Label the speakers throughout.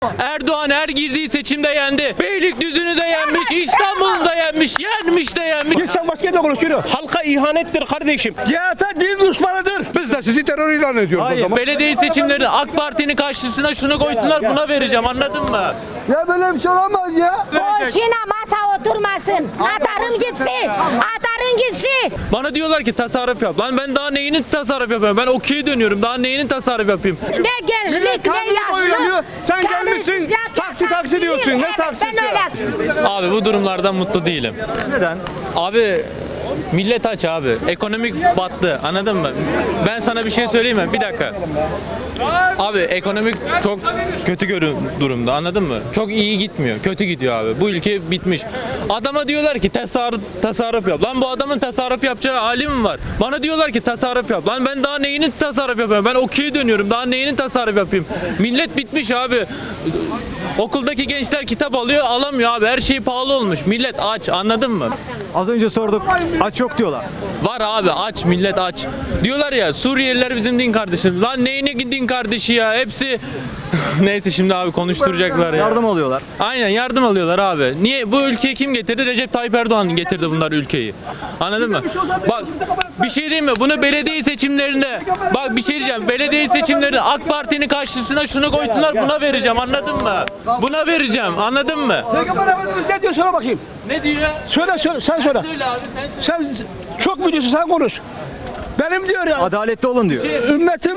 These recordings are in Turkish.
Speaker 1: Erdoğan her girdiği seçimde yendi. Beylikdüzü'nü de yenmiş, İstanbul'u da yenmiş, yenmiş de yenmiş.
Speaker 2: Git sen başka yerde konuş, yürü.
Speaker 1: Halka ihanettir kardeşim.
Speaker 2: CHP din düşmanıdır.
Speaker 3: Biz de sizi terör ilan ediyoruz o zaman.
Speaker 1: Belediye seçimlerinde AK Parti'nin karşısına şunu koysunlar, buna vereceğim, anladın mı?
Speaker 2: Ya böyle bir şey olamaz ya.
Speaker 4: Boşuna masa oturmasın. Atarım gitsin. Atarım gitsin.
Speaker 1: Bana diyorlar ki tasarruf yap. Lan ben daha neyini tasarruf yapıyorum? Ben okey dönüyorum. Daha neyini tasarruf yapayım?
Speaker 4: Ne gençlik ne yaşlı.
Speaker 3: Sen gelmişsin
Speaker 4: Çalışacak
Speaker 3: taksi
Speaker 4: yapan
Speaker 3: taksi diyorsun.
Speaker 4: değil.
Speaker 3: Ne
Speaker 4: Evet,
Speaker 3: taksisi?
Speaker 4: ben öyle.
Speaker 1: Abi bu durumlardan mutlu değilim.
Speaker 5: Neden?
Speaker 1: Abi millet aç abi. Ekonomik battı. Anladın mı? Ben sana bir şey söyleyeyim mi? Bir dakika. Abi ekonomik çok kötü durumda. Anladın mı? Çok iyi gitmiyor. Kötü gidiyor abi. Bu ülke bitmiş. Adama diyorlar ki tasarruf yap. Lan bu adamın tasarruf yapacağı hali mi var? Bana diyorlar ki tasarruf yap. Lan ben daha neyini tasarruf yapıyorum? Ben okey dönüyorum. Daha neyini tasarruf yapayım? Millet bitmiş abi. Okuldaki gençler kitap alıyor, alamıyor abi. Her şey pahalı olmuş. Millet aç. Anladın mı?
Speaker 5: Az önce sorduk. Aç yok diyorlar.
Speaker 1: Var abi, aç, millet aç. Diyorlar ya Suriyeliler bizim din kardeşimiz. Lan neyine din kardeşi ya? Hepsi neyse şimdi abi konuşturacaklar ya.
Speaker 5: Yardım alıyorlar.
Speaker 1: Aynen yardım alıyorlar abi. Niye bu ülkeyi kim getirdi? Recep Tayyip Erdoğan getirdi bunlar ülkeyi. Anladın mı? Bak bir şey diyeyim mi? Bunu belediye seçimlerinde bak bir şey diyeceğim. Belediye seçimlerinde AK Parti'nin karşısına şunu koysunlar, buna vereceğim. Anladın mı? Buna vereceğim. Anladın mı?
Speaker 2: Peygamber Efendimiz ne diyor, söyle bakayım.
Speaker 1: Ne diyor?
Speaker 2: Söyle sen söyle.
Speaker 1: Söyle abi sen söyle.
Speaker 2: Sen çok biliyorsun, sen konuş. Benim diyor ya.
Speaker 5: Adaletli olun diyor.
Speaker 2: Ümmetim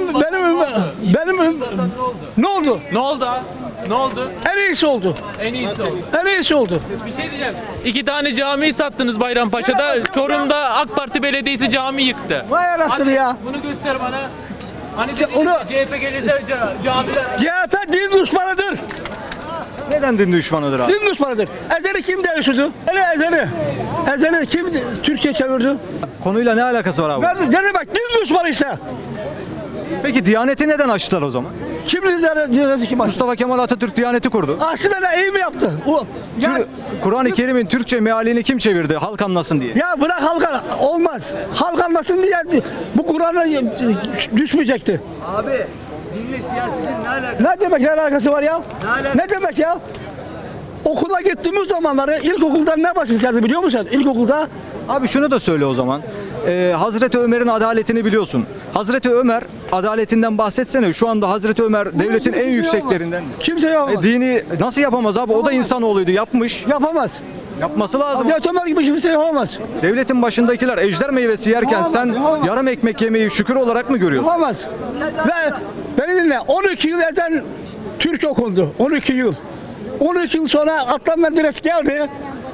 Speaker 2: ne oldu?
Speaker 1: Ne oldu abi? Ne oldu?
Speaker 2: En iyisi oldu.
Speaker 1: En iyisi oldu.
Speaker 2: En iyisi oldu.
Speaker 1: Bir şey diyeceğim. 2 tane camiyi sattınız Bayrampaşa'da. Çorum'da AK Parti belediyesi cami yıktı.
Speaker 2: Vay anasını ya.
Speaker 1: Bunu göster bana. Hani
Speaker 2: Sen
Speaker 1: dedin ki
Speaker 2: onu-
Speaker 1: CHP gelirse camiler...
Speaker 2: CHP din düşmanıdır.
Speaker 5: Neden din düşmanıdır abi?
Speaker 2: Din düşmanıdır. Ezeli kim değiştirdi? Ezeli. Ezeli kim Türkiye çevirdi?
Speaker 5: Konuyla ne alakası var abi?
Speaker 2: Ne demek? Din düşmanı işte.
Speaker 5: Peki Diyaneti neden açtılar o zaman?
Speaker 2: Kim liderisi kim açtı?
Speaker 5: Mustafa Kemal Atatürk Diyaneti kurdu.
Speaker 2: Aslında ne iyi mi yaptı? Ya,
Speaker 5: Kur'an-ı Kerim'in Türkçe mealini kim çevirdi halk anlasın diye?
Speaker 2: ya bırak halka, olmaz. Halk anlasın diye bu Kur'an'a düşmeyecekti.
Speaker 6: Abi dinle siyasetin ne alakası?
Speaker 2: Ne demek, ne alakası var ya?
Speaker 6: Ne alakası?
Speaker 2: Ne demek ya? Okula gittiğimiz zamanları ilkokulda ne başlayacağız biliyor musun? İlkokulda
Speaker 5: Abi şunu da söyle o zaman. Hazreti Ömer'in adaletini biliyorsun. Hazreti Ömer adaletinden bahsetsene. Şu anda Hazreti Ömer devletin en yükseklerinden.
Speaker 2: kimse yapamaz.
Speaker 5: Dini nasıl yapamaz abi? O da insanoğluydu, yapmış.
Speaker 2: Yapamaz.
Speaker 5: Yapması lazım.
Speaker 2: Hazreti Ömer gibi kimse yapamaz.
Speaker 5: Devletin başındakiler ejder meyvesi yerken
Speaker 2: Yapamaz,
Speaker 5: sen
Speaker 2: yapamaz.
Speaker 5: yarım ekmek yemeği şükür olarak mı görüyorsun?
Speaker 2: Yapamaz. Ve beni dinle, 12 yıl ezan Türk okundu. 12 yıl. 12 yıl sonra Adnan Menderes geldi.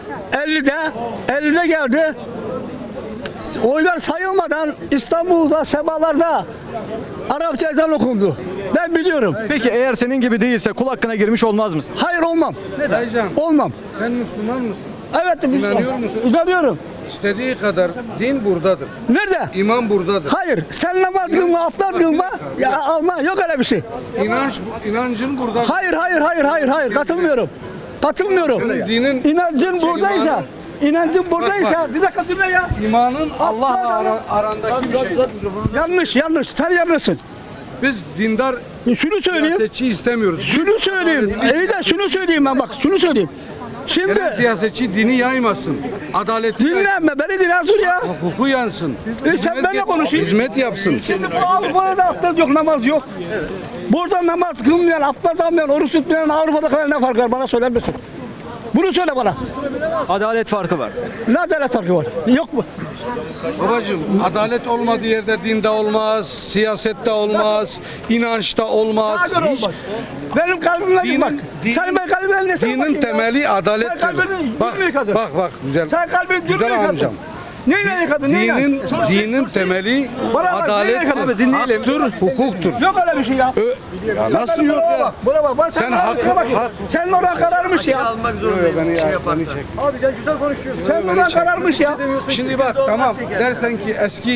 Speaker 2: 50'de geldi. Oylar sayılmadan İstanbul'da, semalarda Arapça ezan okundu. Ben biliyorum.
Speaker 5: Peki eğer senin gibi değilse kul hakkına girmiş olmaz mısın?
Speaker 2: Hayır, olmam.
Speaker 6: Dayıcan
Speaker 2: Olmam.
Speaker 6: sen Müslüman mısın?
Speaker 2: Evet.
Speaker 6: İnanıyor musun?
Speaker 2: İnanıyorum.
Speaker 6: İstediği kadar din buradadır.
Speaker 2: Nerede?
Speaker 6: İman buradadır.
Speaker 2: Hayır. Sen namaz kılma, abdest kılma. Ya alma. Yok öyle bir şey.
Speaker 6: İnancın buradadır.
Speaker 2: Hayır. Katılmıyorum.
Speaker 6: Senin dinin
Speaker 2: İnancın buradaysa, bir dakika dinle ya.
Speaker 6: imanın Allah'la arandaki bir şey.
Speaker 2: Yanlış. Sen yanlışsın.
Speaker 6: Biz dindar
Speaker 2: Şunu söyleyeyim.
Speaker 6: siyasetçi istemiyoruz.
Speaker 2: Şunu söyleyeyim. İyi de şunu söyleyeyim ben, bak. Şunu söyleyeyim. Şimdi
Speaker 6: Gelen siyasetçi dini yaymasın. Adaleti yaysın.
Speaker 2: dinlenme. Beni dinle Azur ya.
Speaker 6: Hukuku yansın.
Speaker 2: Sen benimle konuşayım.
Speaker 6: Hizmet yapsın.
Speaker 2: Şimdi bu Avrupa'da abdest yok, namaz yok. Burada namaz kılmayan, abdest almayan, oruç tutmayan Avrupa'da kadar ne fark var? Bana söyler misin? Bunu söyle bana.
Speaker 5: Adalet farkı var.
Speaker 2: Ne adalet farkı var? Yok mu?
Speaker 6: Babacığım adalet olmadığı yerde dinde olmaz, siyasette olmaz, inançta olmaz.
Speaker 2: Zaten
Speaker 6: Hiç
Speaker 2: olmaz. Benim kalbimle
Speaker 6: Dinin-
Speaker 2: bak.
Speaker 6: dinin-
Speaker 2: Sen benim kalbimle ne sen
Speaker 6: dinin
Speaker 2: bakayım ya?
Speaker 6: temeli adalettir.
Speaker 2: Sen kalbini
Speaker 6: Bak
Speaker 2: dün yıkadın.
Speaker 6: bak güzel.
Speaker 2: Sen kalbini dün
Speaker 6: Güzel
Speaker 2: yıkadın.
Speaker 6: amcam.
Speaker 2: Neyle yıkadın? Neyle?
Speaker 6: Dinin temeli
Speaker 2: Bana bak, neyle
Speaker 6: adalettir,
Speaker 2: yıkadın? Dinleyelim.
Speaker 6: haktır, hukuktur.
Speaker 2: Yok öyle bir şey ya.
Speaker 6: Ya nasıl
Speaker 2: Sen
Speaker 6: yok
Speaker 2: buraya
Speaker 6: ya?
Speaker 2: bak, buraya bak. Bak,
Speaker 6: Sen
Speaker 2: kararmışsın,
Speaker 6: hak-
Speaker 2: bak. Senin oran kararmış ya.
Speaker 6: Almak zorundayım. Beni
Speaker 2: Senin oran kararmış ya.
Speaker 6: Şimdi bak tamam dersen ki eski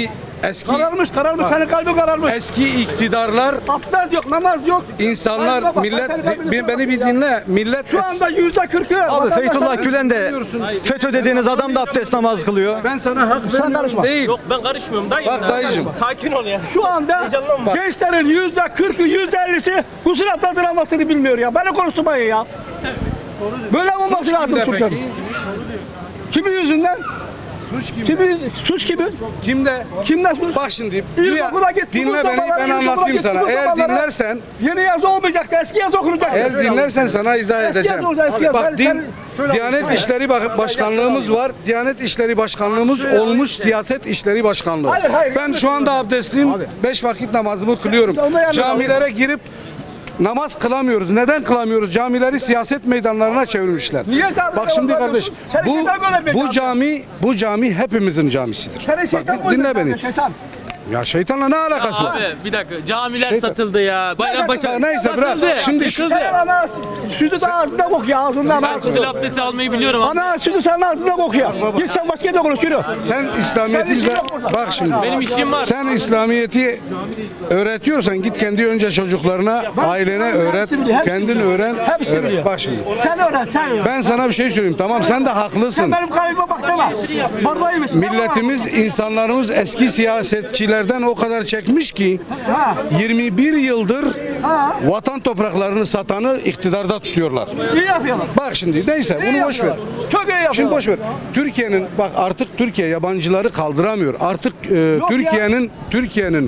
Speaker 6: Eski
Speaker 2: Kararmış. Senin kalbin kararmış.
Speaker 6: eski iktidarlar
Speaker 2: Abdest yok, namaz yok.
Speaker 6: insanlar
Speaker 2: Bak,
Speaker 6: millet
Speaker 2: senin kalbin
Speaker 6: beni bir dinle. Millet
Speaker 2: Şu anda %40'ı.
Speaker 5: Abi Fethullah Gülen de FETÖ dediğiniz adam da abdest namaz kılıyor.
Speaker 6: ben sana hak
Speaker 2: karışma.
Speaker 6: vermiyorum değil.
Speaker 1: Yok ben karışmıyorum dayım.
Speaker 6: Bak dayıcım.
Speaker 1: Sakin ol ya.
Speaker 2: Şu anda gençlerin %40'ı, %50'si gusül abdesti namazını bilmiyor ya. Beni konuşturmayın ya. Böyle mi olması lazım
Speaker 6: Kimde
Speaker 2: Türkiye'nin?
Speaker 6: peki?
Speaker 2: Kimin yüzünden?
Speaker 6: Suç kimde?
Speaker 2: Suç kimin?
Speaker 6: Kimde?
Speaker 2: Kimden suç?
Speaker 6: Bak şimdi
Speaker 2: İlkokula gitti,
Speaker 6: dinle beni
Speaker 2: Mustafa'lara,
Speaker 6: ben
Speaker 2: ilkokula
Speaker 6: anlatayım
Speaker 2: gitti,
Speaker 6: sana. Eğer
Speaker 2: Mustafa'lara.
Speaker 6: dinlersen
Speaker 2: Yeni yazı olmayacaktı, eski yazı okunacaktı.
Speaker 6: eğer dinlersen sana izah
Speaker 2: Eski
Speaker 6: edeceğim.
Speaker 2: yazı olacak, eski yazı.
Speaker 6: Bak Diyanet İşleri Başkanlığımız var. Diyanet İşleri Başkanlığımız olmuş siyaset işleri başkanlığı.
Speaker 2: Hayır,
Speaker 6: Ben şu anda abdestliyim. 5 vakit namazımı kılıyorum.
Speaker 2: Sen de yanlış
Speaker 6: Camilere girip namaz kılamıyoruz. Neden kılamıyoruz? Camileri siyaset meydanlarına çevirmişler.
Speaker 2: Niye sen
Speaker 6: Bak
Speaker 2: böyle
Speaker 6: şimdi
Speaker 2: yapıyorsun?
Speaker 6: kardeş,
Speaker 2: Seni şeytan göndermiyor
Speaker 6: bu cami hepimizin camisidir.
Speaker 2: Seni şeytan
Speaker 6: Bak, dinle
Speaker 2: koydu,
Speaker 6: beni.
Speaker 2: Şeytan.
Speaker 6: Ya şeytanla ne alakası var?
Speaker 1: Abi bir dakika camiler
Speaker 6: Şeytan.
Speaker 1: satıldı ya. Bayrampaşa
Speaker 6: Neyse bırak.
Speaker 1: satıldı.
Speaker 6: Şimdi
Speaker 1: yıkıldı.
Speaker 2: Sen ana sütü de ağzında kokuyor, ağzından
Speaker 1: Ben
Speaker 2: ağzında.
Speaker 1: gusül abdesti almayı biliyorum abi.
Speaker 2: Ana sütü senin ağzında kokuyor. Git sen başka yerde konuş, yürü.
Speaker 6: sen İslamiyet'i
Speaker 2: Senin işin yok burada.
Speaker 6: bak şimdi.
Speaker 1: Benim işim var.
Speaker 6: Sen İslamiyet'i öğretiyorsan git kendi önce çocuklarına, ailene öğret,
Speaker 2: hepsi biliyor, hepsi
Speaker 6: kendin
Speaker 2: biliyor.
Speaker 6: öğren.
Speaker 2: Hepsi
Speaker 6: öğret.
Speaker 2: biliyor.
Speaker 6: Bak şimdi.
Speaker 2: Sen öğren, sen öğren.
Speaker 6: Ben sana bir şey söyleyeyim tamam sen de haklısın.
Speaker 2: Sen benim kalbime bak deme. Buradaymış.
Speaker 6: Milletimiz, insanlarımız eski siyasetçilerden o kadar çekmiş ki
Speaker 2: Ha.
Speaker 6: 21 yıldır
Speaker 2: Ha.
Speaker 6: vatan topraklarını satanı iktidarda tutuyorlar.
Speaker 2: İyi yapıyorlar.
Speaker 6: Bak şimdi neyse
Speaker 2: İyi
Speaker 6: bunu boş ver.
Speaker 2: yapıyorlar. Çok iyi yapıyorlar.
Speaker 6: Şimdi boş ver. Türkiye'nin bak artık Türkiye yabancıları kaldıramıyor. Artık Türkiye'nin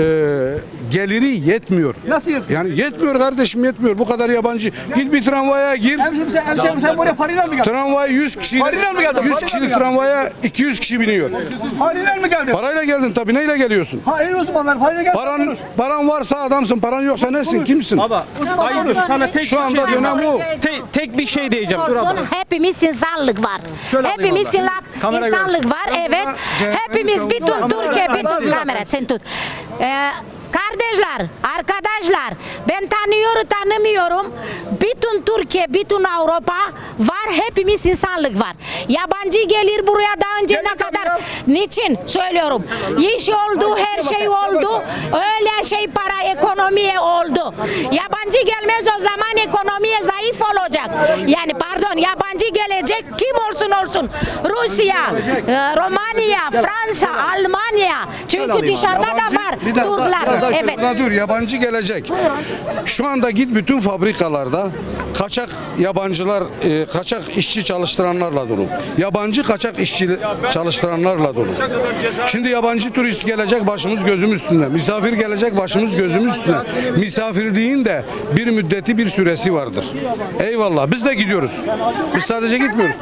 Speaker 6: geliri yetmiyor.
Speaker 2: Nasıl yapıyor?
Speaker 6: Yani yetmiyor kardeşim yetmiyor. Bu kadar yabancı. Git bir tramvaya gir.
Speaker 2: Hemşerim sen buraya parayla mı geldin?
Speaker 6: Tramvay 100 kişi.
Speaker 2: Parayla mı geldin?
Speaker 6: 100
Speaker 2: Parayla
Speaker 6: kişilik
Speaker 2: mı geldin?
Speaker 6: tramvaya 200 kişi biniyor.
Speaker 2: Parayla mı geldin?
Speaker 6: Parayla geldin tabii. Neyle geliyorsun?
Speaker 2: Ha iyi uzmanlar parayla geldin.
Speaker 6: Paran varsa adamsın. Paran yoksa nesin? Kimsin?
Speaker 1: Dayıcım sana tek
Speaker 6: Şu anda dönem o.
Speaker 1: tek bir şey diyeceğim.
Speaker 4: Olsun, hepimiz insanlık var. Hepimiz insanlık var, evet. Hepimiz bütün Türkiye, bütün kamera sen tut. Kardeşler, arkadaşlar, ben tanımıyorum. Bütün Türkiye, bütün Avrupa var, hepimiz insanlık var. Yabancı gelir buraya daha önce ne kadar, niçin söylüyorum. İş oldu, her şey oldu, öyle şey para, ekonomiye oldu. Yabancı gelmez o zaman ekonomiye zayıf olacak. Yani pardon, yabancı gelecek, kim olsun. Rusya, Romanya, Fransa, Almanya. Çünkü dışarıda da var Türkler. Evet.
Speaker 6: Burada dur yabancı gelecek. Şu anda git bütün fabrikalarda kaçak yabancılar, kaçak işçi çalıştıranlarla dolu. Yabancı kaçak işçi çalıştıranlarla dolu. Şimdi yabancı turist gelecek başımız gözümüz üstünde. Misafir gelecek başımız gözümüz üstünde. Misafirliğin de bir müddeti bir süresi vardır. Eyvallah biz de gidiyoruz. Biz sadece gitmiyoruz.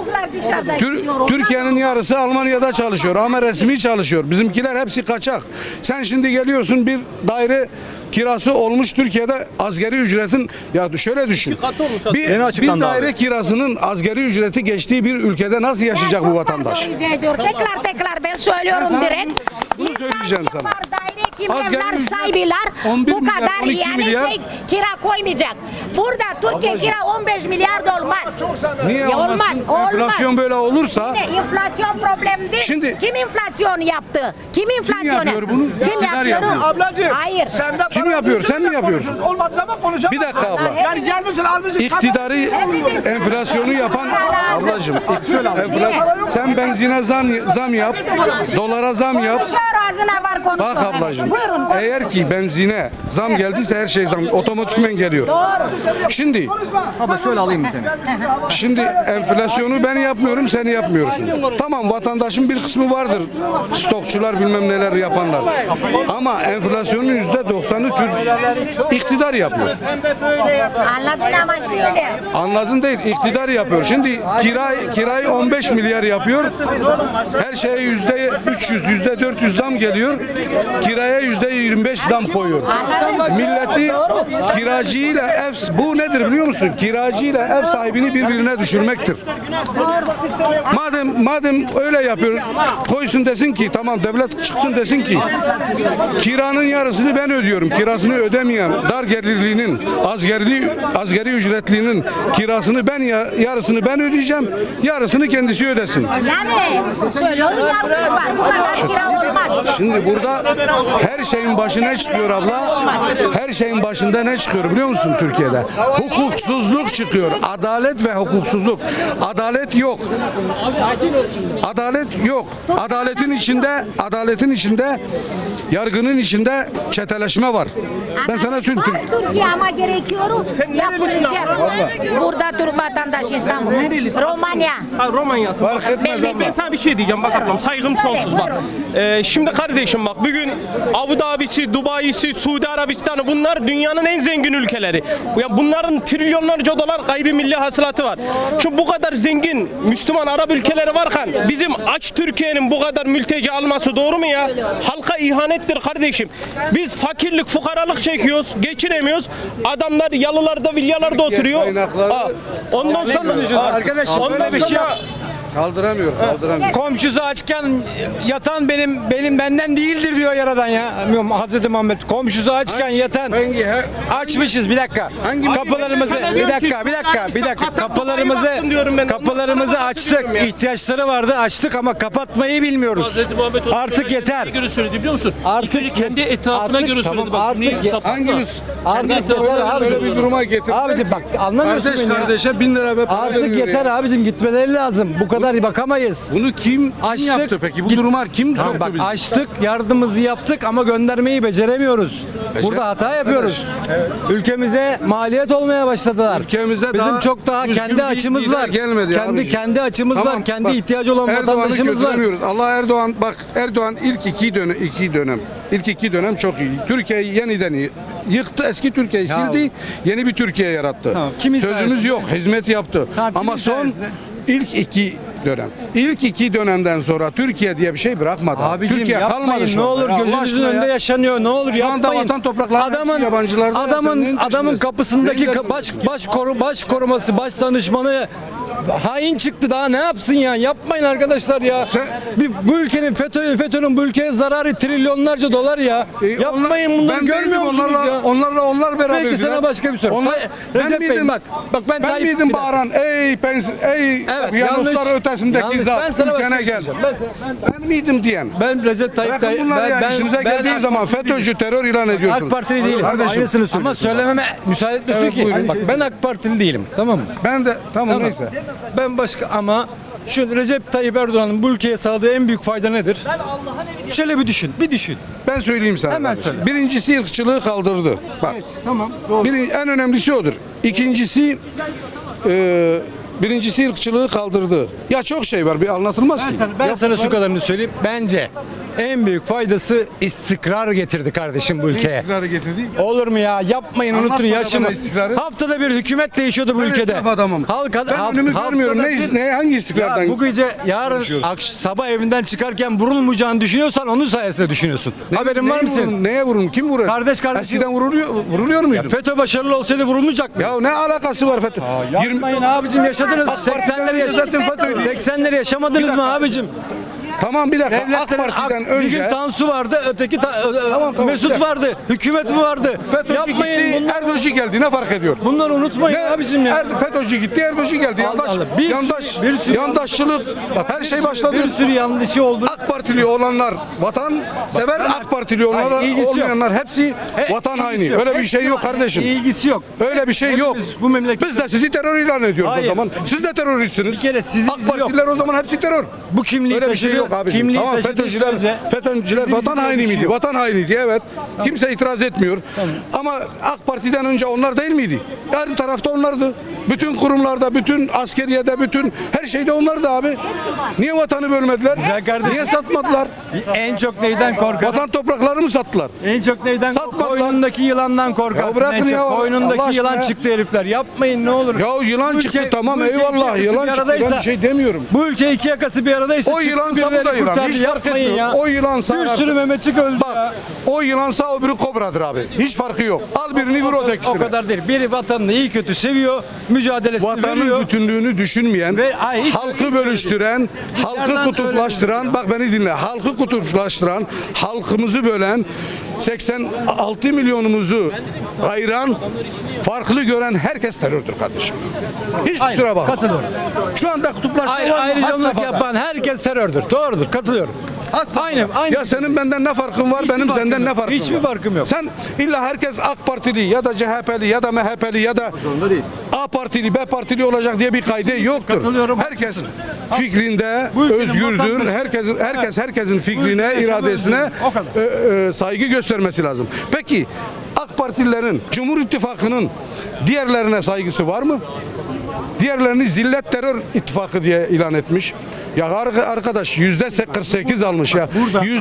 Speaker 6: Türkiye'nin yarısı Almanya'da çalışıyor ama resmi çalışıyor. Bizimkiler hepsi kaçak. Sen şimdi geliyorsun bir daire kirası olmuş Türkiye'de asgari ücretin ya şöyle düşün. Bir daire kirasının asgari ücreti geçtiği bir ülkede nasıl yaşayacak bu vatandaş?
Speaker 4: Tekrar ben söylüyorum
Speaker 6: Ben sana
Speaker 4: direkt.
Speaker 6: bunu söyleyeceğim sana.
Speaker 4: Var, daire kim
Speaker 6: Asgari
Speaker 4: evler
Speaker 6: ücret
Speaker 4: sahibiler
Speaker 6: 11
Speaker 4: bu
Speaker 6: milyar,
Speaker 4: kadar
Speaker 6: 12
Speaker 4: yani
Speaker 6: milyar.
Speaker 4: kira koymayacak. Burada Türkiye kira 15 milyar da olmaz.
Speaker 6: Niye
Speaker 4: Ya
Speaker 6: olmasın? Enflasyon böyle olursa
Speaker 4: Yine enflasyon problem değil.
Speaker 6: Şimdi-
Speaker 4: kim enflasyon yaptı? Kim enflasyon
Speaker 6: yapıyor bunu?
Speaker 4: Kim
Speaker 6: İktidar
Speaker 4: yapıyor?
Speaker 6: yapıyor.
Speaker 2: Ablacığım.
Speaker 4: Hayır.
Speaker 2: Sen de
Speaker 6: Kim
Speaker 2: para
Speaker 6: yapıyor?
Speaker 2: ödüyorsun
Speaker 6: Sen mi
Speaker 2: da
Speaker 6: yapıyorsun?
Speaker 2: konuşuyorsun. Olmadığı zaman konuşamazsın.
Speaker 6: Bir dakika abla.
Speaker 2: Yani gelmişsin almışsın.
Speaker 6: İktidarı enflasyonu yapan ablacığım sen benzine zam yap, dolara zam yap.
Speaker 4: Konuşuyor, ağzına var konuşuyor.
Speaker 6: Bak ablacığım
Speaker 4: Buyurun.
Speaker 6: eğer ki benzine zam geldiyse her şey zam otomatikmen geliyor.
Speaker 4: Doğru.
Speaker 6: Şimdi
Speaker 5: Abla şöyle alayım mı seni?
Speaker 6: Şimdi enflasyonu ben yapmıyorum sen yapmıyorsun. Tamam vatandaşın bir kısmı vardır. Stokçular bilmem neler yapanlar. Ama enflasyonun %90'ı iktidar yapıyor.
Speaker 4: Anladın ama şöyle.
Speaker 6: Anladın değil, iktidar yapıyor. Şimdi kirayı 15 milyar yapıyor. Her şeye %300, %400 zam geliyor. Kiraya %25 zam koyuyor. Milleti kiracıyla bu nedir biliyor musun? Kiracıyla ev sahibini birbirine düşürmektir. Madem öyle yapıyor, koysun desin ki tamam, devlet çıksın desin ki kiranın yarısını ben ödüyorum. Kirasını ödemeyen dar gelirlinin, asgari ücretlinin kirasını yarısını ben ödeyeceğim. Yarısını kendisi ödesin.
Speaker 4: Yani şöyle yargı var. Bu kadar kira olmaz.
Speaker 6: Şimdi burada her şeyin başı ne çıkıyor abla? Her şeyin başında ne çıkıyor biliyor musun Türkiye'de? Hukuksuzluk çıkıyor. Adalet ve hukuksuzluk. Adalet yok. Adalet yok. Adaletin içinde yargının içinde çeteleşme var. Ben sana söyleyeyim.
Speaker 4: Var Türkiye ama gerekiyor. Yapılacak. Burada Türk vatandaşı İstanbul. Romanya.
Speaker 7: Ha, Romanya'sı.
Speaker 6: Fark etmez
Speaker 7: Ben
Speaker 6: abla.
Speaker 7: sana bir şey diyeceğim bak ablam, saygım sonsuz bak. Şimdi kardeşim bak, bugün Abu Dhabi'si, Dubai'si, Suudi Arabistan'ı, bunlar dünyanın en zengin ülkeleri. Ya bunların trilyonlarca dolar gayrimilli hasılatı var. Şimdi bu kadar zengin Müslüman Arap ülkeleri varken bizim aç Türkiye'nin bu kadar mülteci alması doğru mu ya? Halka ihanettir kardeşim. Biz fakirlik, fukaralık çekiyoruz, geçinemiyoruz. Adamlar yalılarda, villalarda oturuyor.
Speaker 6: kaynakları-
Speaker 7: Ondan sonra
Speaker 8: Arkadaşım
Speaker 7: ondan
Speaker 8: böyle bir şey
Speaker 7: sonra-
Speaker 8: yap.
Speaker 6: Kaldıramıyor.
Speaker 8: Komşusu açken yatan benim benden değildir diyor yaradan ya. Bilmiyorum, Hazreti Muhammed komşusu açken yatan açmışız bir dakika. Kapılarımızı bir dakika kapılarımızı açtık. İhtiyaçları vardı, açtık ama kapatmayı bilmiyoruz.
Speaker 9: Hazreti Muhammed onu
Speaker 8: Artık yeter.
Speaker 9: neye göre söyledi biliyor musun?
Speaker 8: Artık
Speaker 9: İlk önce kendi etrafına
Speaker 8: artık-
Speaker 9: göre
Speaker 8: tamam,
Speaker 9: söyledi. Bak,
Speaker 8: artık
Speaker 9: dünyayı sapıtma.
Speaker 6: Hangimiz?
Speaker 8: Artık
Speaker 9: etrafına
Speaker 8: yeter
Speaker 9: göre
Speaker 6: Böyle
Speaker 8: abicim.
Speaker 6: bir duruma getirdiler.
Speaker 8: Abicim bak anlamıyorsun
Speaker 6: Kardeş
Speaker 8: beni ya.
Speaker 6: kardeşe 1000 lira ve para
Speaker 8: Artık
Speaker 6: veriyor
Speaker 8: yeter
Speaker 6: ya.
Speaker 8: abicim, gitmeleri lazım. Bu kadar bakamayız.
Speaker 6: Bunu kim
Speaker 8: Açtık.
Speaker 6: yaptı peki? Bu
Speaker 8: Git-
Speaker 6: duruma kim
Speaker 8: Tamam,
Speaker 6: soktu
Speaker 8: bak
Speaker 6: bizi?
Speaker 8: açtık, yardımımızı yaptık ama göndermeyi beceremiyoruz. Burada hata yapıyoruz. Ülkemize maliyet olmaya başladılar.
Speaker 6: Ülkemize
Speaker 8: Bizim
Speaker 6: daha
Speaker 8: çok daha
Speaker 6: düzgün
Speaker 8: kendi
Speaker 6: bir
Speaker 8: açımız
Speaker 6: lider
Speaker 8: var.
Speaker 6: gelmedi abiciğim.
Speaker 8: Kendi açımız
Speaker 6: Tamam,
Speaker 8: var. Kendi
Speaker 6: bak,
Speaker 8: ihtiyacı olan
Speaker 6: Erdoğan'ı
Speaker 8: vatandaşımız var.
Speaker 6: kötülemiyoruz. Allah Erdoğan ilk iki dönem çok iyi. Türkiye'yi yeniden yıktı. Eski Türkiye'yi sildi. Yeni bir Türkiye yarattı.
Speaker 8: Tamam, kimin
Speaker 6: Sözümüz
Speaker 8: sayesinde?
Speaker 6: yok. Hizmet yaptı.
Speaker 8: Tamam,
Speaker 6: Ama
Speaker 8: kimin
Speaker 6: son
Speaker 8: sayesinde?
Speaker 6: İlk iki dönemden sonra Türkiye diye bir şey bırakmadı.
Speaker 8: Abicim
Speaker 6: Türkiye kalmadı
Speaker 8: yapmayın
Speaker 6: şu
Speaker 8: ne
Speaker 6: anda.
Speaker 8: olur,
Speaker 6: Ya Allah
Speaker 8: gözünüzün
Speaker 6: aşkına
Speaker 8: önünde
Speaker 6: ya.
Speaker 8: yaşanıyor, ne olur
Speaker 6: Şu anda
Speaker 8: yapmayın.
Speaker 6: vatan topraklarının hepsi yabancılarda ya, sen neyin
Speaker 8: Adamın
Speaker 6: peşindesin?
Speaker 8: kapısındaki
Speaker 6: Neyin
Speaker 8: baş koruması, baş danışmanı hain çıktı, daha ne yapsın ya? Yapmayın arkadaşlar ya. Bu ülkenin FETÖ'nün bu ülkeye zararı trilyonlarca dolar ya. Yapmayın bunları, görmüyor musunuz ya?
Speaker 6: Onlar beraber.
Speaker 8: Peki sana başka bir soru. Recep Bey, bak ben
Speaker 6: Ben
Speaker 8: Tayyip-
Speaker 6: miydim
Speaker 8: bir dakika.
Speaker 6: bağıran ey
Speaker 8: Evet,
Speaker 6: Okyanuslar
Speaker 8: yanlış.
Speaker 6: ötesindeki
Speaker 8: Yanlış.
Speaker 6: zat
Speaker 8: Ben sana başka
Speaker 6: ülkene
Speaker 8: bir şey
Speaker 6: gel.
Speaker 8: söyleyeceğim.
Speaker 6: Ben miydim diyen.
Speaker 8: Ben Recep Tayyip
Speaker 6: Bırakın bunları ya, işinize geldiği zaman FETÖ'cü terör ilan ediyorsun.
Speaker 8: AK Partili değilim.
Speaker 6: Kardeşim.
Speaker 8: Aynısını ama söylememe müsaade etmiyorsun
Speaker 6: Evet,
Speaker 8: ki.
Speaker 6: buyurun.
Speaker 8: Bak ben AK Partili değilim. Tamam mı?
Speaker 6: Ben de tamam neyse.
Speaker 8: Ben başka ama şu Recep Tayyip Erdoğan'ın bu ülkeye sağladığı en büyük fayda nedir? Şöyle bir düşün.
Speaker 6: Ben söyleyeyim sana.
Speaker 8: Hemen
Speaker 6: kardeşim.
Speaker 8: söyle.
Speaker 6: Birincisi ırkçılığı kaldırdı. Bak.
Speaker 8: Tamam. Doğru.
Speaker 6: En önemlisi odur. Birincisi ırkçılığı kaldırdı. Ya çok şey var, bir anlatılmaz ki.
Speaker 8: Ben sana şu kadarını söyleyeyim. Bence en büyük faydası istikrar getirdi kardeşim bu ülkeye.
Speaker 6: İstikrarı getirdi.
Speaker 8: Olur mu ya? Yapmayın,
Speaker 6: Anlat
Speaker 8: unutun
Speaker 6: bana
Speaker 8: yaşımı.
Speaker 6: bana istikrarı.
Speaker 8: Haftada bir hükümet değişiyordu bu
Speaker 6: Ben
Speaker 8: ülkede.
Speaker 6: esnaf adamım. Ben önümü görmüyorum. Hangi istikrardan?
Speaker 8: Ya bu gece yarın sabah evinden çıkarken vurulmayacağını düşünüyorsan onun sayesinde düşünüyorsun. Haberin var mı senin?
Speaker 6: Neye vurun? Kim vurur?
Speaker 8: Kardeş.
Speaker 6: Eskiden vuruluyor muydu?
Speaker 8: FETÖ başarılı olsaydı vurulmayacak mı?
Speaker 6: Ya ne alakası var FETÖ?
Speaker 8: Yapmayın abicim, yaşadınız.
Speaker 6: AK Parti'den
Speaker 8: 80'leri
Speaker 6: zaten FETÖ'ydü.
Speaker 8: 80'leri yaşamadınız mı abicim?
Speaker 6: Tamam bir dakika. AK
Speaker 8: Devletlerin
Speaker 6: Parti'den
Speaker 8: bir gün
Speaker 6: önce
Speaker 8: Tansu vardı, öteki
Speaker 6: Tamam,
Speaker 8: Mesut
Speaker 6: bir
Speaker 8: vardı, hükümet vardı.
Speaker 6: FETÖ'cü
Speaker 8: Yapmayın
Speaker 6: gitti,
Speaker 8: bunları.
Speaker 6: Erdoğan geldi. Ne fark ediyor?
Speaker 8: Bunları unutmayın abicim ya.
Speaker 6: FETÖ'cü gitti, Erdoğan geldi.
Speaker 8: Allah Allah. Bir sürü-
Speaker 6: Yandaşçılık, her şey başladı.
Speaker 8: Bir sürü yanlışı oldu.
Speaker 6: AK Partili olanlar vatan sever, AK Partili olanlar
Speaker 8: Hayır, ilgisi yok.
Speaker 6: olmayanlar hepsi vatan
Speaker 8: İlgisi
Speaker 6: haini.
Speaker 8: yok.
Speaker 6: Öyle bir
Speaker 8: Hepsi
Speaker 6: şey yok
Speaker 8: var.
Speaker 6: kardeşim.
Speaker 8: İlgisi yok.
Speaker 6: Öyle bir şey yok.
Speaker 8: Hepimiz bu memleket-
Speaker 6: Biz de sizi terör ilan ediyoruz
Speaker 8: Hayır.
Speaker 6: o zaman. Siz de teröristsiniz.
Speaker 8: Bir kere sizi
Speaker 6: AK
Speaker 8: bizi yok.
Speaker 6: Partililer o zaman hepsi terör.
Speaker 8: Bu kimliği
Speaker 6: Öyle bir şey
Speaker 8: taşıdı-
Speaker 6: yok abi.
Speaker 8: kimliği
Speaker 6: Tamam
Speaker 8: taşıdığı
Speaker 6: FETÖ'cüler
Speaker 8: sürece
Speaker 6: vatan
Speaker 8: bizim
Speaker 6: haini
Speaker 8: bir şey
Speaker 6: miydi?
Speaker 8: yok.
Speaker 6: Vatan hainiydi evet. Kimse itiraz etmiyor. Ama AK Parti'den önce onlar değil miydi? Her tarafta onlardı. Bütün kurumlarda, bütün askeriyede, bütün her şeyde onlardı abi. Niye vatanı bölmediler?
Speaker 8: Güzel kardeşim.
Speaker 6: Niye satmadılar?
Speaker 8: En çok neyden korkar?
Speaker 6: Vatan topraklarını mı sattılar?
Speaker 8: En çok neyden
Speaker 6: Satmadılar.
Speaker 8: koynundaki yılandan korkarsın.
Speaker 6: Ya bırakın
Speaker 8: en çok.
Speaker 6: ya, Allah
Speaker 8: Koynundaki
Speaker 6: aşkına
Speaker 8: yılan
Speaker 6: ya.
Speaker 8: çıktı herifler. Yapmayın ne olur.
Speaker 6: Ya yılan
Speaker 8: Bu
Speaker 6: çıktı
Speaker 8: ülke-
Speaker 6: tamam
Speaker 8: bu ülke
Speaker 6: eyvallah
Speaker 8: iki
Speaker 6: yılan
Speaker 8: yakası
Speaker 6: çıktı
Speaker 8: bir
Speaker 6: ben
Speaker 8: aradaysa-
Speaker 6: bir şey demiyorum.
Speaker 8: Bu ülke iki yakası bir aradaysa
Speaker 6: O
Speaker 8: çıktı
Speaker 6: yılan
Speaker 8: birileri Kedileri
Speaker 6: yılan.
Speaker 8: kurtardı,
Speaker 6: Hiç fark
Speaker 8: yapmayın
Speaker 6: etmiyor.
Speaker 8: ya.
Speaker 6: O yılansa
Speaker 8: Bir sürü Mehmetçik öldü ya.
Speaker 6: bak, o yılansa öbürü kobradır abi. Hiç farkı yok. Al birini vur
Speaker 8: O
Speaker 6: ötekisine.
Speaker 8: kadar değil. Biri vatanını iyi kötü seviyor, mücadelesini
Speaker 6: Vatanın
Speaker 8: veriyor.
Speaker 6: bütünlüğünü düşünmeyen,
Speaker 8: Hiç
Speaker 6: halkı bölüştüren, halkı
Speaker 8: Dışarıdan
Speaker 6: kutuplaştıran, bak beni dinle, halkı kutuplaştıran, halkımızı bölen, 86 milyonumuzu ayıran, farklı gören herkes terördür kardeşim. Hiç
Speaker 8: Aynen,
Speaker 6: kusura bakma.
Speaker 8: katılıyorum.
Speaker 6: Şu anda kutuplaşma var mı? Had
Speaker 8: Ayrıcalık
Speaker 6: safhada.
Speaker 8: yapan herkes terördür. Doğrudur, katılıyorum.
Speaker 6: Had safhada.
Speaker 8: Aynı.
Speaker 6: Ya senin benden ne farkın var,
Speaker 8: Hiçbir
Speaker 6: benim
Speaker 8: farkım
Speaker 6: senden
Speaker 8: yok.
Speaker 6: ne farkım var?
Speaker 8: Hiçbir farkım yok.
Speaker 6: Sen illa herkes AK Partili ya da CHP'li ya da MHP'li ya da A Partili, B Partili olacak diye bir kaydı yoktur.
Speaker 8: Katılıyorum,
Speaker 6: Herkes
Speaker 8: haklısın.
Speaker 6: fikrinde
Speaker 8: Bu ülkenin
Speaker 6: özgürdür.
Speaker 8: vatandaşı.
Speaker 6: Herkesin fikrine,
Speaker 8: ülkede yaşam
Speaker 6: iradesine
Speaker 8: özgürlüğü. O kadar.
Speaker 6: saygı göstermesi lazım. Peki AK Partililerin, Cumhur İttifakı'nın diğerlerine saygısı var mı? Diğerlerini zillet terör ittifakı diye ilan etmiş. Ya arkadaş %48 almış ya.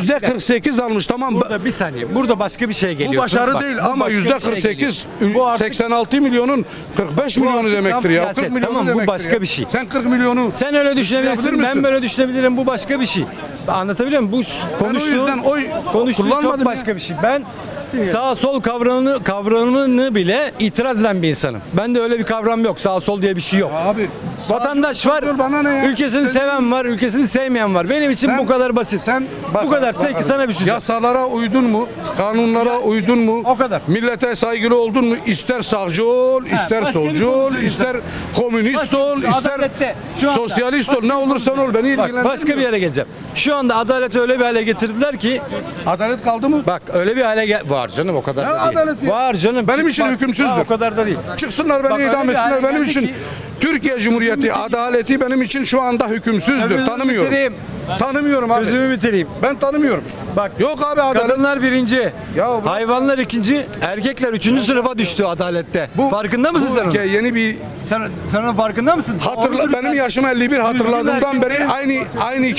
Speaker 6: %48 almış, tamam.
Speaker 8: Burada bir saniye. Burada başka bir şey geliyor.
Speaker 6: Bu başarı
Speaker 8: Bak,
Speaker 6: değil
Speaker 8: bu
Speaker 6: ama
Speaker 8: başka bir şey
Speaker 6: %48
Speaker 8: geliyor. Bu artık
Speaker 6: 86 milyonun 45
Speaker 8: Bu
Speaker 6: milyonu
Speaker 8: artık
Speaker 6: demektir
Speaker 8: tam
Speaker 6: ya.
Speaker 8: siyaset.
Speaker 6: 40 milyonu
Speaker 8: Tamam, bu
Speaker 6: demektir
Speaker 8: başka
Speaker 6: ya.
Speaker 8: bir şey.
Speaker 6: Sen 40 milyonu
Speaker 8: sen öyle düşünebilirsin,
Speaker 6: yapabilir
Speaker 8: ben
Speaker 6: misin?
Speaker 8: böyle düşünebilirim. Bu başka bir şey. Anlatabiliyor muyum? Bu konuştuğun,
Speaker 6: yüzden oy
Speaker 8: konuştuğun
Speaker 6: kullanmadım
Speaker 8: çok başka bir şey. Ben sağ sol kavramını bile itiraz eden bir insanım. Ben de öyle bir kavram yok. Sağ sol diye bir şey yok.
Speaker 6: Abi,
Speaker 8: Vatandaş var,
Speaker 6: sol bana ne ya?
Speaker 8: ülkesini seven var, ülkesini sevmeyen var. Benim için
Speaker 6: Sen-
Speaker 8: bu kadar basit. Bu kadar. Tek sana bir şey.
Speaker 6: Yasalara uydun mu? Kanunlara uydun mu?
Speaker 8: O kadar.
Speaker 6: Millete saygılı oldun mu? İster sağcı ol, ister
Speaker 8: başka bir
Speaker 6: solcu
Speaker 8: konu
Speaker 6: ol,
Speaker 8: söyleyeyim
Speaker 6: ister komünist ol, ister
Speaker 8: Adalette, şu anda
Speaker 6: sosyalist ol.
Speaker 8: başka
Speaker 6: Ne
Speaker 8: bir
Speaker 6: olursan ol beni
Speaker 8: Bak
Speaker 6: ilgilendirmiyor.
Speaker 8: başka bir yere geleceğim. Şu anda adaleti öyle bir hale getirdiler ki
Speaker 6: Adalet kaldı mı?
Speaker 8: bak öyle bir hale var canım o kadar
Speaker 6: Ne
Speaker 8: da değil.
Speaker 6: adaleti ya?
Speaker 8: Var canım.
Speaker 6: Benim için hükümsüzdür.
Speaker 8: O kadar da değil.
Speaker 6: Çıksınlar
Speaker 8: Bak,
Speaker 6: beni
Speaker 8: öyle
Speaker 6: idam
Speaker 8: bir hale
Speaker 6: etsinler. Benim
Speaker 8: geldi
Speaker 6: için
Speaker 8: ki-
Speaker 6: Türkiye Cumhuriyeti adaleti benim için şu anda hükümsüzdür.
Speaker 8: Sözümü
Speaker 6: Tanımıyorum.
Speaker 8: bitireyim.
Speaker 6: Tanımıyorum abi.
Speaker 8: Sözümü bitireyim.
Speaker 6: Ben tanımıyorum.
Speaker 8: Bak
Speaker 6: Yok abi adalet.
Speaker 8: kadınlar birinci,
Speaker 6: Ya bu-
Speaker 8: hayvanlar ikinci, erkekler üçüncü sınıfa düştü adalette. Farkında mısın sen onun?
Speaker 6: ülke yeni bir
Speaker 8: Sen onun farkında mısın?
Speaker 6: hatırla, benim yaşım 51, hatırladığımdan beri aynı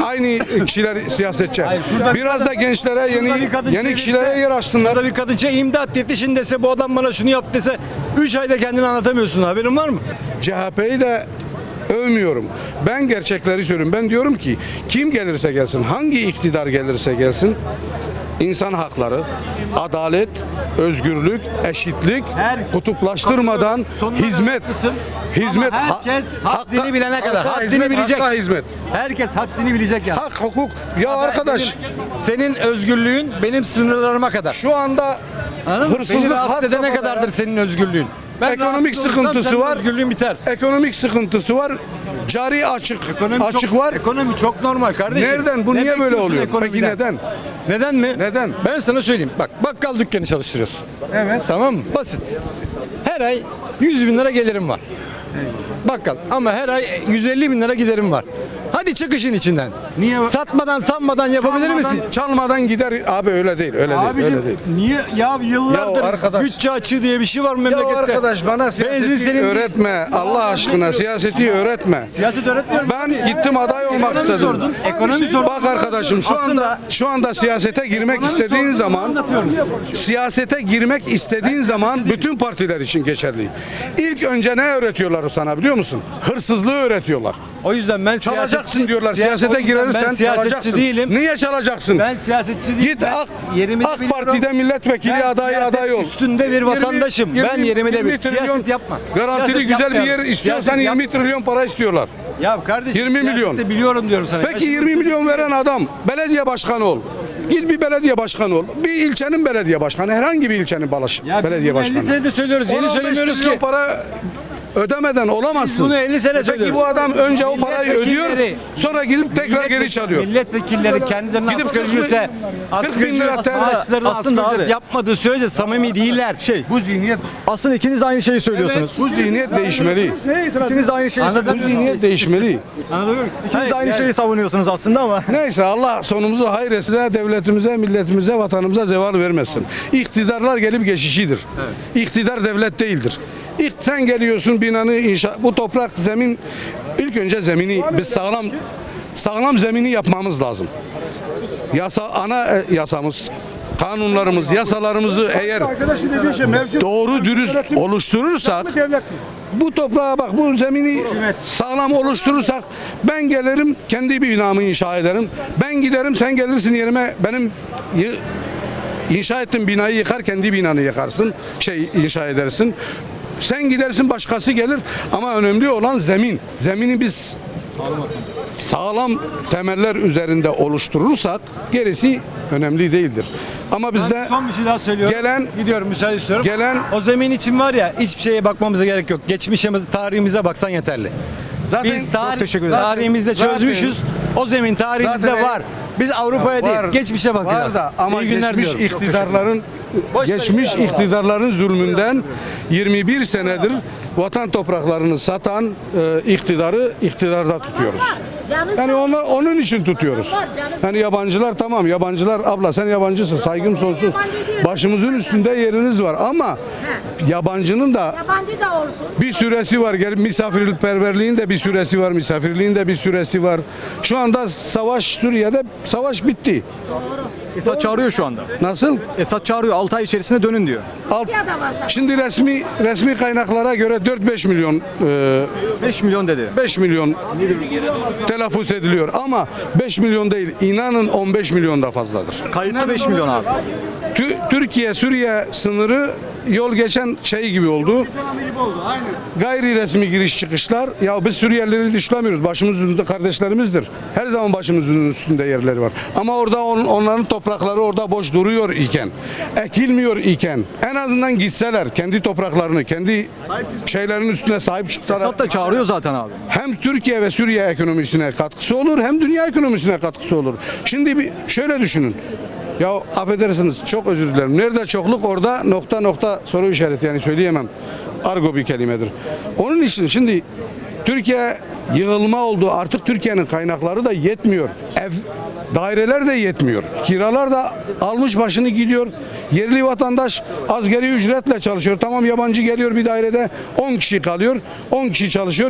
Speaker 6: kişiler siyasetçi.
Speaker 8: şurada bir
Speaker 6: Biraz da gençlere
Speaker 8: Şurada bir kadın
Speaker 6: yeni
Speaker 8: çevirse,
Speaker 6: kişilere yer açsınlar.
Speaker 8: Şurada bir kadın imdat yetişin dese, bu adam bana şunu yap dese 3 ayda kendini anlatamıyorsun, haberin var mı?
Speaker 6: CHP'yi de övmüyorum. Ben gerçekleri söylüyorum. Ben diyorum ki kim gelirse gelsin, hangi iktidar gelirse gelsin, insan hakları, adalet, özgürlük, eşitlik, kutuplaştırmadan
Speaker 8: Sonuna da
Speaker 6: hizmet,
Speaker 8: haklısın.
Speaker 6: hizmet,
Speaker 8: Ama herkes haddini bilene kadar, haddini
Speaker 6: hizmet,
Speaker 8: bilecek.
Speaker 6: hakka hizmet,
Speaker 8: Herkes haddini bilecek ya.
Speaker 6: hak, hukuk. Ya arkadaş,
Speaker 8: Senin özgürlüğün benim sınırlarıma kadar.
Speaker 6: şu anda
Speaker 8: Anladın mı? Beni
Speaker 6: hırsızlık
Speaker 8: rahatsız
Speaker 6: had
Speaker 8: edene
Speaker 6: safhada
Speaker 8: kadardır
Speaker 6: ya.
Speaker 8: senin özgürlüğün. Ben
Speaker 6: Ekonomik
Speaker 8: rahatsız olursam
Speaker 6: sıkıntısı
Speaker 8: senin
Speaker 6: var.
Speaker 8: Özgürlüğün biter.
Speaker 6: Ekonomik sıkıntısı var. Cari açık
Speaker 8: çok,
Speaker 6: var.
Speaker 8: Ekonomi çok normal kardeşim.
Speaker 6: Nereden? Bu
Speaker 8: Ne
Speaker 6: niye böyle
Speaker 8: bekliyorsun
Speaker 6: oluyor? Peki
Speaker 8: ekonomiden?
Speaker 6: neden?
Speaker 8: Neden mi?
Speaker 6: Neden?
Speaker 8: Ben sana söyleyeyim. Bak bakkal dükkanı çalıştırıyorsun.
Speaker 6: Evet.
Speaker 8: Tamam mı? Basit. Her ay 100 bin lira gelirim var. Bakkal. Ama her ay 150 bin lira giderim var. Hadi çık işin içinden.
Speaker 6: Niye?
Speaker 8: Satmadan sanmadan yapabilir misin?
Speaker 6: Çalmadan gider. Abi öyle değil. Öyle değil.
Speaker 8: Abicim
Speaker 6: Öyle değil.
Speaker 8: niye ya yıllardır
Speaker 6: Ya arkadaş.
Speaker 8: bütçe açığı diye bir şey var mı
Speaker 6: Ya
Speaker 8: memlekette?
Speaker 6: arkadaş bana siyaseti
Speaker 8: senin-
Speaker 6: öğretme. Allah aşkına siyaseti öğretme.
Speaker 8: Siyaset öğretmiyorum.
Speaker 6: Ben gittim aday olmak
Speaker 8: Ekonomi
Speaker 6: istedim.
Speaker 8: sordun, ekonomi sordun.
Speaker 6: Bak arkadaşım şu anda siyasete girmek istediğin zaman siyasete girmek istediğin zaman bütün partiler için geçerli. İlk önce ne öğretiyorlar sana biliyor musun? Hırsızlığı öğretiyorlar.
Speaker 8: O yüzden ben
Speaker 6: Çalacaksın diyorlar.
Speaker 8: o
Speaker 6: Siyasete
Speaker 8: yüzden
Speaker 6: girersen
Speaker 8: ben siyasetçi
Speaker 6: çalacaksın.
Speaker 8: değilim.
Speaker 6: Niye çalacaksın?
Speaker 8: Ben siyasetçi değilim.
Speaker 6: Git
Speaker 8: Ben yerimi de
Speaker 6: AK
Speaker 8: biliyorum.
Speaker 6: Parti'de milletvekili
Speaker 8: Ben
Speaker 6: adayı
Speaker 8: siyaset
Speaker 6: aday ol.
Speaker 8: üstünde bir vatandaşım. Ben yerimi de biliyorum. Siyaset yapma.
Speaker 6: Garantili
Speaker 8: Siyaset
Speaker 6: güzel bir yer
Speaker 8: yapmayalım.
Speaker 6: istiyorsan
Speaker 8: Siyaset
Speaker 6: 20 trilyon para istiyorlar.
Speaker 8: Ya kardeşim
Speaker 6: 20 milyon.
Speaker 8: siyaseti biliyorum diyorum sana.
Speaker 6: Peki 20 milyon veren adam belediye başkanı ol. Git bir belediye başkanı ol. Bir ilçenin belediye başkanı, herhangi bir ilçenin belediye başkanı.
Speaker 8: 50 senedir söylüyoruz. Yeni
Speaker 6: 15
Speaker 8: söylemiyoruz
Speaker 6: trilyon
Speaker 8: ki.
Speaker 6: para ödemeden olamazsın.
Speaker 8: Bunu 50 sene
Speaker 6: Peki
Speaker 8: söylüyoruz.
Speaker 6: bu adam önce o parayı ödüyor,
Speaker 8: Milletvekilleri-
Speaker 6: sonra gidip tekrar geri çalıyor.
Speaker 8: Milletvekilleri kendilerine
Speaker 6: Gidip
Speaker 8: asgari
Speaker 6: 40 bin-
Speaker 8: ücrete,
Speaker 6: 40 bin lira
Speaker 8: maaşlarını
Speaker 5: aslında
Speaker 8: asgari ücret
Speaker 5: abi-
Speaker 8: yapmadığı sürece samimi değiller.
Speaker 6: Bu zihniyet,
Speaker 5: Aslında ikiniz de aynı şeyi söylüyorsunuz.
Speaker 6: bu zihniyet değişmeli.
Speaker 5: İkiniz de aynı şeyi
Speaker 6: Bu
Speaker 5: söylüyorsunuz.
Speaker 6: zihniyet değişmeli.
Speaker 5: İkiniz de aynı şeyi savunuyorsunuz aslında ama.
Speaker 6: Neyse Allah sonumuzu hayır etsin. Devletimize, milletimize, vatanımıza zeval vermesin. İktidarlar gelip geçişidir. İktidar devlet değildir. Sen geliyorsun binanı inşa, bu toprak zemin, ilk önce zemini biz sağlam zemini yapmamız lazım. Yasamız, kanunlarımız, yasalarımızı eğer doğru dürüst oluşturursak bu toprağa bak, bu zemini sağlam oluşturursak ben gelirim kendi binamı inşa ederim. Ben giderim, sen gelirsin yerime benim inşa ettiğim binayı yıkar, kendi binanı yıkarsın, inşa edersin. Sen gidersin, başkası gelir ama önemli olan zemin. Zemini biz sağlam temeller üzerinde oluşturursak gerisi önemli değildir. Ama bizde
Speaker 8: Son bir şey daha söylüyorum. Gidiyorum, müsaade istiyorum. O zemin için var ya, hiçbir şeye bakmamıza gerek yok. Geçmişimiz, tarihimize baksan yeterli.
Speaker 6: zaten
Speaker 8: Biz
Speaker 5: Çok teşekkür ederim.
Speaker 8: tarihimizde çözmüşüz. O zemin tarihimizde
Speaker 6: Zaten-
Speaker 8: var. Biz Avrupa'ya
Speaker 6: var,
Speaker 8: değil, geçmişe bakacağız.
Speaker 6: var da ama
Speaker 8: İyi günler
Speaker 6: geçmiş
Speaker 8: diliyorum.
Speaker 6: iktidarların zulmünden 21 senedir vatan topraklarını satan iktidarı iktidarda tutuyoruz. Yani onun için tutuyoruz. Yani yabancılar tamam, yabancılar abla sen yabancısın, saygım sonsuz. Başımızın üstünde yeriniz var ama yabancının da
Speaker 4: Yabancı da olsun.
Speaker 6: bir süresi var. Misafirperverliğin de bir süresi var. Misafirliğin de bir süresi var. Şu anda Suriye'de savaş bitti.
Speaker 5: Esad çağırıyor şu anda.
Speaker 6: Nasıl?
Speaker 5: Esad çağırıyor, 6 ay içerisinde dönün diyor.
Speaker 6: Şimdi resmi kaynaklara göre 4-5 milyon
Speaker 5: 5 milyon dedi.
Speaker 6: 5 milyon telaffuz ediliyor ama 5 milyon değil. İnanın 15 milyon da fazladır.
Speaker 5: Kayıtlı 5 milyon abi.
Speaker 6: Türkiye-Suriye sınırı yol geçen gibi oldu. Gayri resmi giriş çıkışlar. Ya biz Suriyelileri dışlamıyoruz. Başımızın üstünde kardeşlerimizdir. Her zaman başımızın üstünde yerleri var. Ama orada onların toprakları orada boş duruyor iken, ekilmiyor iken en azından gitseler kendi topraklarını, kendi şeylerin üstüne sahip çıksalar.
Speaker 5: Esad da çağırıyor zaten abi.
Speaker 6: Hem Türkiye ve Suriye ekonomisine katkısı olur hem dünya ekonomisine katkısı olur. Şimdi şöyle düşünün. Ya affedersiniz, çok özür dilerim. Nerede çokluk orada nokta soru işareti, yani söyleyemem. Argo bir kelimedir. Onun için şimdi Türkiye yığılma oldu. Artık Türkiye'nin kaynakları da yetmiyor. Daireler de yetmiyor. Kiralar da almış başını gidiyor. Yerli vatandaş asgari ücretle çalışıyor. Tamam, yabancı geliyor bir dairede 10 kişi kalıyor. 10 kişi çalışıyor.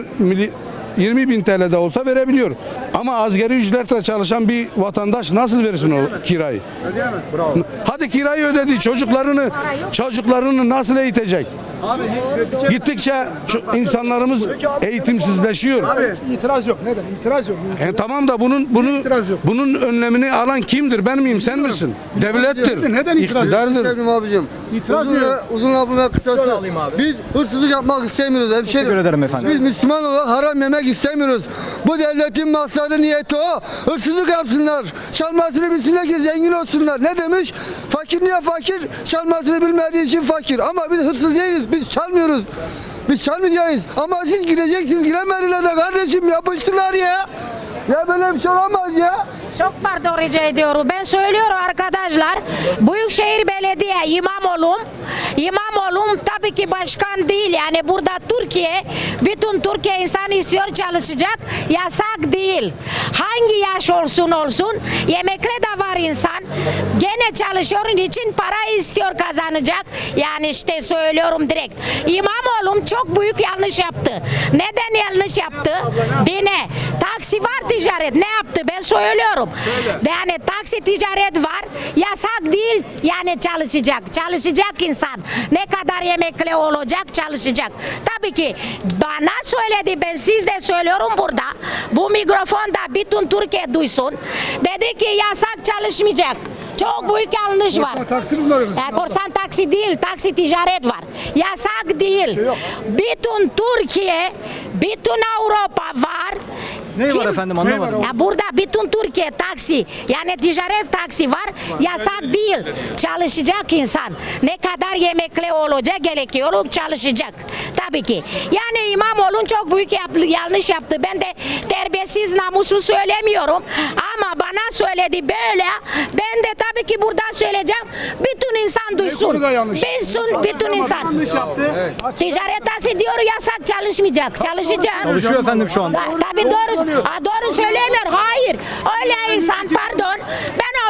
Speaker 6: 20 bin TL de olsa verebiliyor. Ama asgari ücretle çalışan bir vatandaş nasıl versin o kirayı? Hadi kirayı ödedi. Çocuklarını nasıl eğitecek? Gittikçe insanlarımız eğitimsizleşiyor.
Speaker 2: İtiraz yok. Neden? İtiraz yok.
Speaker 6: Tamam da
Speaker 2: İtiraz yok.
Speaker 6: bunun önlemini alan kimdir? Ben miyim? Sen misin? Devlettir.
Speaker 2: Neden itiraz yok?
Speaker 6: İktidardır.
Speaker 10: Abicim. Uzun lafın ve kısası. Biz hırsızlık yapmak istemiyoruz hemşerim.
Speaker 5: Teşekkür ederim efendim.
Speaker 10: Biz Müslüman olarak haram yemek istemiyoruz. Bu devletin maksadı, niyeti o. Hırsızlık yapsınlar. Çalmasını bilsinler ki zengin olsunlar. Ne demiş? Fakir niye fakir? Çalmasını bilmediği için fakir. Ama biz hırsız değiliz. Biz çalmıyoruz. Biz çalmayacağız. Ama siz gideceksiniz. Giremediler de kardeşim, yapıştılar ya. Ya böyle bir şey olamaz ya.
Speaker 4: Çok pardon rica ediyorum. Ben söylüyorum arkadaşlar. Büyükşehir Belediye İmamoğlu tabii ki başkan değil. Yani burada bütün Türkiye insan istiyor, çalışacak. Yasak değil. Hangi yaş olsun yemekle de var insan. Gene çalışıyor için para istiyor, kazanacak. Yani işte söylüyorum direkt. İmamoğlu çok büyük yanlış yaptı. Neden yanlış yaptı? Dine. Taksi var, ticaret. Ne yaptı? Ben söylüyorum. Yani taksi ticaret var. Yasak değil. Yani çalışacak insan. Ne kadar yemekle olacak, çalışacak. Tabii ki bana söyledi, ben size söylüyorum burada. Bu mikrofonda bütün Türkiye duysun. Dedi ki yasak, çalışmayacak. Çok büyük yanlış var.
Speaker 2: Taksiniz mi var?
Speaker 4: Korsan taksi değil, taksi ticaret var. Yasak değil. Bütün Türkiye, bütün Avrupa var.
Speaker 5: Ne var efendim, anlamadım.
Speaker 4: Ya burada bütün Türkiye taksi, yani ticaret taksi var. Yasak değil. Çalışacak insan. Ne kadar yemekle olacak gerekiyor, çalışacak. Tabii ki. Yani İmamoğlu çok büyük yanlış yaptı. Ben de terbiyesiz, namussuz söylemiyorum. Ama bana söyledi böyle. Ben de tabii ki burada söyleyeceğim. Bütün insan duysun. Bütün insan. Ticaret taksi diyor yasak, çalışmayacak. Çalışacak.
Speaker 5: Çalışıyor efendim şu anda.
Speaker 4: Tabii doğru söylemiyor. Hayır. Öyle insan, pardon. Ben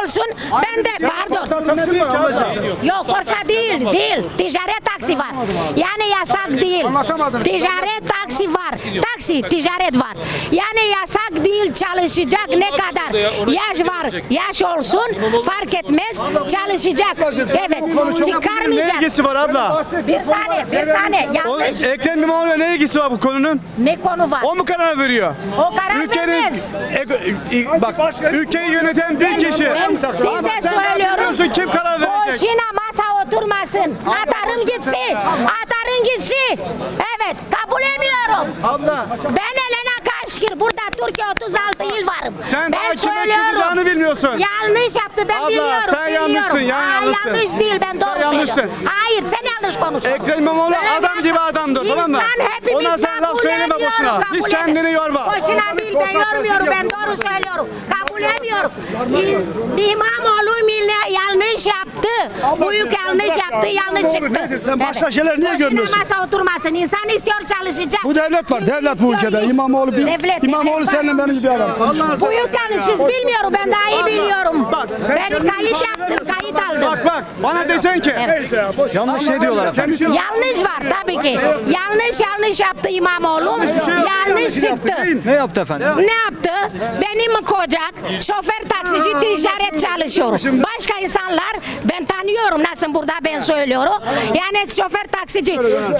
Speaker 4: olsun ben de pardon. Yok korsa değil. Ticaret taksi var. Yani yasak değil. Ticaret taksi var. Taksi ticaret var. Yani yasak değil, çalışacak ne kadar yaş var. Yaş olsun fark etmez çalışacak. Evet çıkarmayacak.
Speaker 8: ilgisi var abla?
Speaker 4: Bir saniye yanlış.
Speaker 8: Ekrem İmamoğlu'na ne ilgisi var bu konunun?
Speaker 4: Ne konu var?
Speaker 8: O mu karar veriyor?
Speaker 4: O karar vermez.
Speaker 8: Bak ülkeyi yöneten bir kişi.
Speaker 4: Siz de söylüyorum.
Speaker 8: Kim karar verecek?
Speaker 4: Boşuna masa oturmasın. Atarım gitsin. Atarım gitsin. Evet kabul etmiyorum.
Speaker 8: Abla
Speaker 4: Ben Elena Kaşkir. Burada Türkiye 36 yıl varım.
Speaker 8: sen
Speaker 4: ben
Speaker 8: daha kime kızacağını bilmiyorsun.
Speaker 4: Yanlış yaptı ben
Speaker 8: Abla,
Speaker 4: biliyorum.
Speaker 8: sen yanlışsın, yanlışsın.
Speaker 4: Yanlış değil ben doğru
Speaker 8: yanlışsın.
Speaker 4: söylüyorum. Hayır sen yanlış konuşuyorsun.
Speaker 8: Ekrem İmamoğlu adam gibi adamdır tamam mı?
Speaker 4: İnsan hepimiz
Speaker 8: Ona sen laf
Speaker 4: kabul
Speaker 8: söyleme
Speaker 4: etmiyoruz,
Speaker 8: boşuna.
Speaker 4: kabul
Speaker 8: Hiç
Speaker 4: et-
Speaker 8: kendini yorma.
Speaker 4: Boşuna değil ben yormuyorum ben doğru söylüyorum. Kabul etmiyorum. İmamoğlu yanlış yaptı. Büyük yanlış yaptı yanlış çıktı.
Speaker 2: Sen başka şeyler niye görmüyorsun?
Speaker 4: Boşuna masa oturmasın. İnsan istiyor çalışacak.
Speaker 2: Bu devlet var. Devlet bu ülkede. İmamoğlu seninle benim gibi adam.
Speaker 4: Büyük yani siz bilmiyorum ben daha iyi biliyorum. Ben kayıt yaptım kayıt aldım.
Speaker 8: Bak bana desen ki.
Speaker 5: Yanlış ne diyorlar efendim?
Speaker 4: Yanlış var tabii ki. Yanlış yaptı İmamoğlu. Yanlış çıktı.
Speaker 5: Ne yaptı efendim?
Speaker 4: Ne yaptı? Benim kocak şoför taksici ticaret çalışıyor. Başka insanlar ben tanıyorum nasıl burada ben söylüyorum. Yani şoför taksici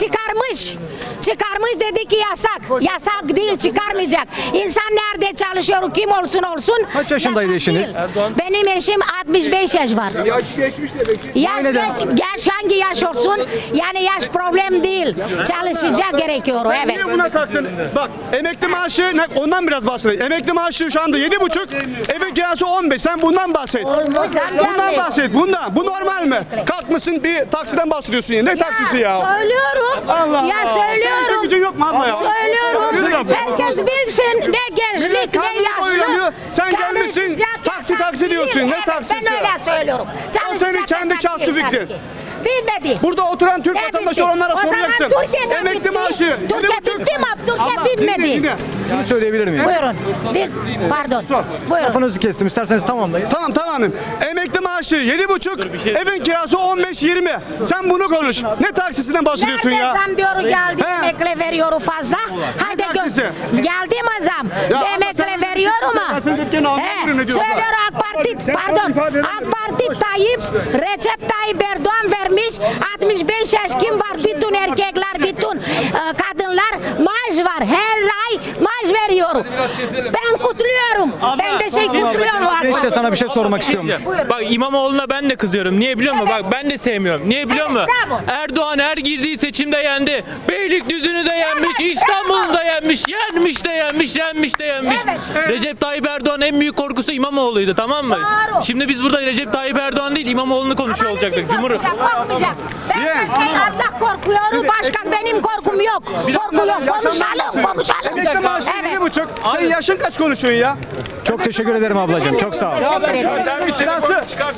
Speaker 4: çıkarmış dedi ki yasak. Yasak değil çıkarmayacak. İnsan nerede çalışıyor kim olsun olsun.
Speaker 5: Kaç yaşındaydı
Speaker 4: yasak
Speaker 5: eşiniz?
Speaker 4: değil. Benim eşim 65 yaş var.
Speaker 3: Yaş geçmiş demek ki.
Speaker 4: Yaş hangi yaş olsun? Yani yaş problem değil. Çalışacak gerekiyor evet.
Speaker 8: Niye buna taktın? Bak emekli maaşı ondan biraz bahsedeyim. Emekli maaşı şu anda 7,5, evin kirası 15. Sen bundan bahset. Bundan bahset. Bundan. Bu normal mi? Kalkmışsın bir taksiden bahsediyorsun ya. Ne taksisi ya?
Speaker 4: Söylüyorum.
Speaker 8: Allah
Speaker 4: Ya
Speaker 8: Allah.
Speaker 4: söylüyorum.
Speaker 8: Senin gücün yok mu abla ya?
Speaker 4: Söylüyorum. Herkes bilsin ne gençlik
Speaker 8: Millet
Speaker 4: ne
Speaker 8: karnını
Speaker 4: yaşlı.
Speaker 8: doyuramıyor. Sen gelmişsin,
Speaker 4: Çalışacak,
Speaker 8: taksi
Speaker 4: yasak
Speaker 8: taksi diyorsun.
Speaker 4: değil.
Speaker 8: Ne
Speaker 4: Evet,
Speaker 8: taksisi?
Speaker 4: Ben öyle söylüyorum.
Speaker 8: O senin kendi şahsi fikrin.
Speaker 4: Bitmedi.
Speaker 8: Burada oturan Türk
Speaker 4: Ne
Speaker 8: vatandaşı
Speaker 4: bitti?
Speaker 8: olanlara
Speaker 4: O zaman
Speaker 8: soracaksın.
Speaker 4: Türkiye'de
Speaker 8: Emekli
Speaker 4: bitti.
Speaker 8: maaşı.
Speaker 4: Türkiye
Speaker 8: 7,5.
Speaker 4: bitti mi? Türkiye
Speaker 8: Allah,
Speaker 4: bitmedi.
Speaker 8: dinle.
Speaker 5: Şunu söyleyebilir miyim?
Speaker 4: Buyurun. Pardon. Buyurun.
Speaker 5: Kafanızı kestim. İsterseniz tamamlayın.
Speaker 8: Tamam. Emekli maaşı 7,5, evin kirası 15-20. Sen bunu konuş. Ne taksisinden bahsediyorsun
Speaker 4: Nerede
Speaker 8: ya?
Speaker 4: zam diyor geldi
Speaker 8: He.
Speaker 4: emekle veriyor fazla. Hadi
Speaker 8: taksisi?
Speaker 4: geldi mi zam?
Speaker 8: Ya ama
Speaker 4: Emekle
Speaker 8: sen-
Speaker 4: veriyor mu?
Speaker 8: sen- sen dükkanı anlamıyorum ne diyorsun?
Speaker 4: Söylüyor AK Parti pardon. AK Parti Recep Tayyip Erdoğan vermiş 65 yaş kim var? Bütün erkekler, bütün kadınlar maaş var. Her ay maaş veriyor. Ben kutluyorum. Ben teşekkür ediyorum.
Speaker 5: Ben işte sana bir şey sormak istiyorum.
Speaker 1: Bak İmamoğlu'na ben de kızıyorum. Niye biliyor musun?
Speaker 4: Evet.
Speaker 1: Bak ben de sevmiyorum. Niye biliyor
Speaker 4: Evet,
Speaker 1: musun?
Speaker 4: bravo.
Speaker 1: Erdoğan her girdiği seçimde yendi. Beylikdüzü'nü de yenmiş, İstanbul'u da yenmiş, yenmiş de yenmiş.
Speaker 4: Evet.
Speaker 1: Recep Tayyip Erdoğan en büyük korkusu İmamoğlu'ydu, tamam mı?
Speaker 4: Doğru.
Speaker 1: Şimdi biz burada Recep Tayyip Erdoğan değil İmamoğlu'nu konuşuyor olacaktık.
Speaker 4: Korkmayacak. Ben Allah korkuyorum. Başka benim korkum yok. Korku yok. Konuşalım.
Speaker 8: Emekli maaşı
Speaker 4: Evet.
Speaker 8: 7,5. Senin yaşın kaç konuşuyorsun ya?
Speaker 5: Çok teşekkür ederim ablacığım. Çok sağ ol.
Speaker 4: Teşekkür ederiz.
Speaker 8: Evin kirası.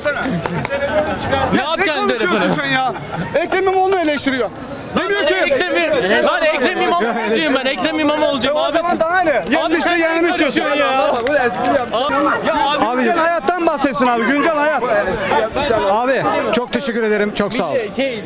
Speaker 1: Ne yapacaksın
Speaker 8: konuşuyorsun
Speaker 1: telefonu?
Speaker 8: sen ya? Ekrem İmamoğlu'nu eleştiriyor. Demiyor ki.
Speaker 1: Lan Ekrem İmamoğlu'cuyum ben. Ekrem İmamoğlu'cuyum.
Speaker 8: O
Speaker 1: Abi
Speaker 8: zaman daha ne? Yenmiş de
Speaker 1: sen
Speaker 8: yenmiş diyorsun.
Speaker 1: konuşuyorsun ya. Ya abi
Speaker 8: Güncel hayattan bahsetsin abi. Güncel hayat.
Speaker 5: Abi çok teşekkür ederim. Çok sağ ol.